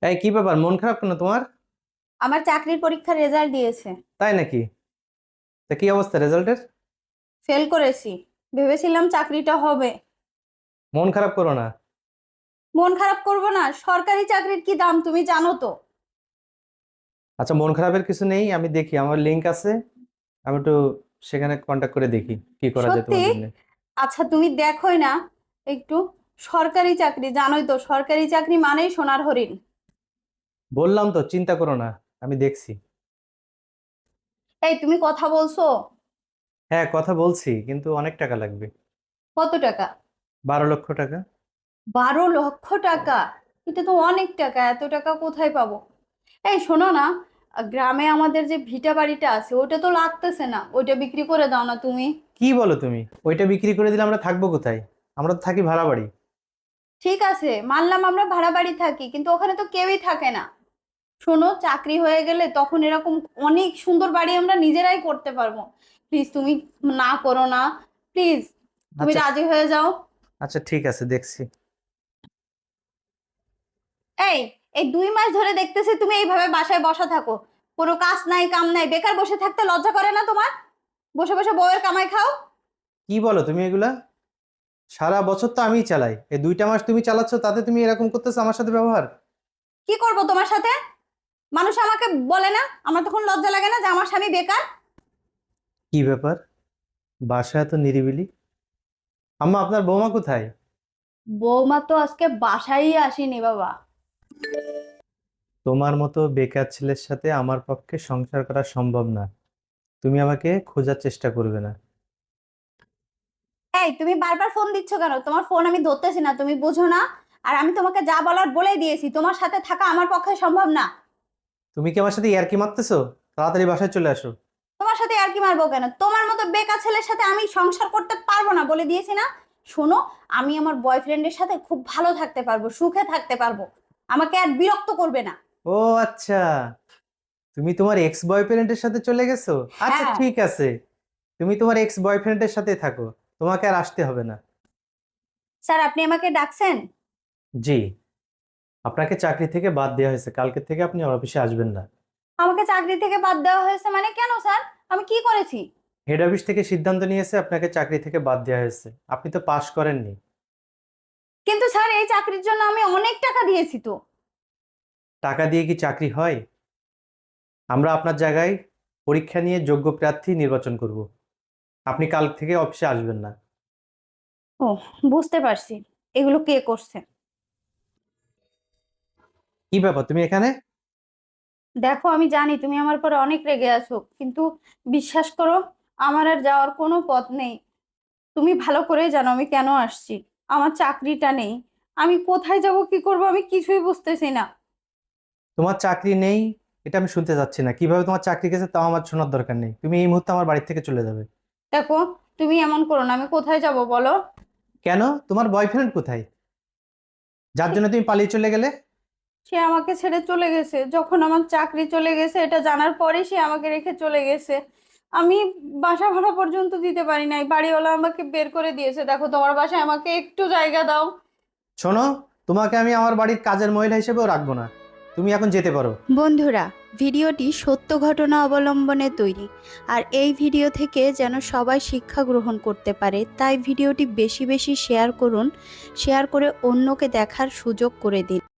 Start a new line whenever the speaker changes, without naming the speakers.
এই কি ব্যাপার, মন খারাপ কেন তোমার?
আমার চাকরির পরীক্ষার রেজাল্ট দিয়েছে।
তাই নাকি? তা কি অবস্থা রেজাল্টের?
ফেল করেছি। ভেবেছিলাম চাকরিটা হবে।
মন খারাপ করো না।
মন খারাপ করব না? সরকারি চাকরির কি দাম তুমি জানো তো।
আচ্ছা, মন খারাপের কিছু নেই, আমি দেখি আমার লিংক আছে। আমি একটু সেখানে কন্ট্যাক্ট করে দেখি কি করা যায়
সত্যি?
তোমার জন্য।
আচ্ছা তুমি দেখোই না একটু। সরকারি চাকরি জানোই তো, সরকারি চাকরি মানেই সোনার হরিণ।
বললাম তো চিন্তা করো না, আমি দেখছি।
এই তুমি কথা বলছো?
হ্যাঁ, কথা বলছি, কিন্তু অনেক টাকা লাগবে।
কত টাকা?
12 লক্ষ টাকা।
12 লক্ষ টাকা? এটা তো অনেক টাকা, এত টাকা কোথায় পাবো? এই শোনো না, গ্রামে আমাদের যে ভিটা বাড়িটা আছে ওটা তো লাগতেছে না, ওইটা বিক্রি করে দাও না তুমি।
কি বলো তুমি? ওইটা বিক্রি করে দিলে আমরা থাকবো কোথায়? আমরা তো থাকি ভাড়া বাড়ি।
ঠিক আছে, মানলাম আমরা ভাড়া বাড়ি থাকি, কিন্তু ওখানে তো কেউই থাকে না। শোনো, চাকরি হয়ে গেলে তখন এরকম অনেক সুন্দর বাড়ি আমরা নিজেরাই করতে পারবো। প্লিজ তুমি না করো না, প্লিজ তুমি
আচ্ছা।
রাজি হয়ে যাও।
আচ্ছা ঠিক আছে, দেখছি।
এই এই 2 মাস ধরে দেখতেছি তুমি এইভাবে বাসায় বসা থাকো। কোনো কাজ নাই কাম নাই, বেকার বসে থাকতে লজ্জা করে না তোমার? বসে বসে বউয়ের কামাই খাও।
কি বলো তুমি এগুলা? সারা বছর তো আমিই চালাই, এই 2টা মাস তুমি চালাচ্ছ, তাতে তুমি এরকম করতেছো আমার সাথে ব্যবহার?
কি করব তোমার সাথে? মানুষ আমাকে বলে না, আমার তখন লজ্জা লাগে না যে আমার স্বামী বেকার?
কি ব্যাপার, বাসা এত নিরিবিলি? আম্মা, আপনার বৌমা কোথায়?
বৌমা তো আজকে বাসায় আসেনি বাবা।
তোমার মতো বেকার ছেলের সাথে আমার পক্ষে সংসার করা সম্ভব না। তুমি আমাকে খোঁজার চেষ্টা করবে না।
এই তুমি বারবার ফোন দিচ্ছ কেন? তোমার ফোন আমি ধরতেছি না, তুমি বুঝো না? আর আমি তোমাকে যা বলার বলেই দিয়েছি, তোমার সাথে থাকা আমার পক্ষে সম্ভব না।
তুমি কি আমার সাথে ইয়ার্কি মারতেছো? তাড়াতাড়ি বাসায় চলে আসো।
তোমার সাথে আর কি মারবো কেন? তোমার মতো বেকার ছেলের সাথে আমি সংসার করতে পারবো না, বলে দিয়েছি না। শোনো, আমি আমার বয়ফ্রেন্ডের সাথে খুব ভালো থাকতে পারবো, সুখে থাকতে পারবো। আমাকে আর বিরক্ত করবে না।
ও আচ্ছা, তুমি তোমার এক্স বয়ফ্রেন্ডের সাথে চলে গেছো। আচ্ছা
হ্যাঁ।
ঠিক আছে, তুমি তোমার এক্স বয়ফ্রেন্ডের সাথে থাকো, তোমাকে আর আসতে হবে না।
স্যার, আপনি আমাকে ডাকছেন?
জি, আপনাকে চাকরি থেকে বাদ দেওয়া হয়েছে, কালকে থেকে আপনি আমার অফিসে আসবেন না।
আমাকে চাকরি থেকে বাদ দেওয়া হয়েছে মানে? কেন স্যার, আমি কি করেছি?
হেড অফিস থেকে সিদ্ধান্ত নিয়েছে আপনাকে চাকরি থেকে বাদ দেওয়া হয়েছে, আপনি তো পাশ করেননি।
কিন্তু স্যার, এই চাকরির জন্য আমি অনেক টাকা দিয়েছি তো।
টাকা দিয়ে কি চাকরি হয়? আমরা আপনার জায়গায় পরীক্ষা নিয়ে যোগ্য প্রার্থী নির্বাচন করব। আপনি কাল থেকে অফিসে আসবেন না।
ও, বুঝতে পারছি। এগুলো কে করছে?
কি ব্যাপার, তুমি এখানে?
দেখো, আমি জানি তুমি আমার পরে অনেক রেগে আছো, কিন্তু বিশ্বাস করো, আমার আর যাওয়ার কোনো পথ নেই। তুমি ভালো করেই জানো আমি কেন আসছি। আমার চাকরিটা নেই। আমি কোথায় যাব, কি করব, আমি কিছুই বুঝতেছি না।
তোমার চাকরি নেই এটা আমি শুনতে চাচ্ছি না, কিভাবে তোমার চাকরি গেছে তাও আমার শোনার দরকার নেই, তুমি এই মুহূর্তে আমার বাড়ি থেকে চলে যাবে।
দেখো, তুমি এমন করো না, আমি কোথায় যাব বলো?
কেন, তোমার বয়ফ্রেন্ড কোথায়, যার
সে
জন্য তুমি পালিয়ে চলে গেলে?
সে আমাকে ছেড়ে চলে গেছে, যখন আমার চাকরি চলে গেছে এটা জানার পরে সে আমাকে রেখে চলে গেছে। আমি বাসা ভাড়া পর্যন্ত দিতে পারি নাই, বাড়িওয়ালা আমাকে বের করে দিয়েছে। দেখো, তোমার বাসায় আমাকে একটু জায়গা দাও।
শোনো, তোমাকে আমি আমার বাড়ির কাজের মহিলা হিসেবেও রাখবো না, তুমি এখন যেতে পারো।
বন্ধুরা, ভিডিওটি সত্য ঘটনা অবলম্বনে তৈরি, আর এই ভিডিও থেকে যেন সবাই শিক্ষা গ্রহণ করতে পারে, তাই ভিডিওটি বেশি বেশি শেয়ার করুন। শেয়ার করে অন্যকে দেখার সুযোগ করে দিন।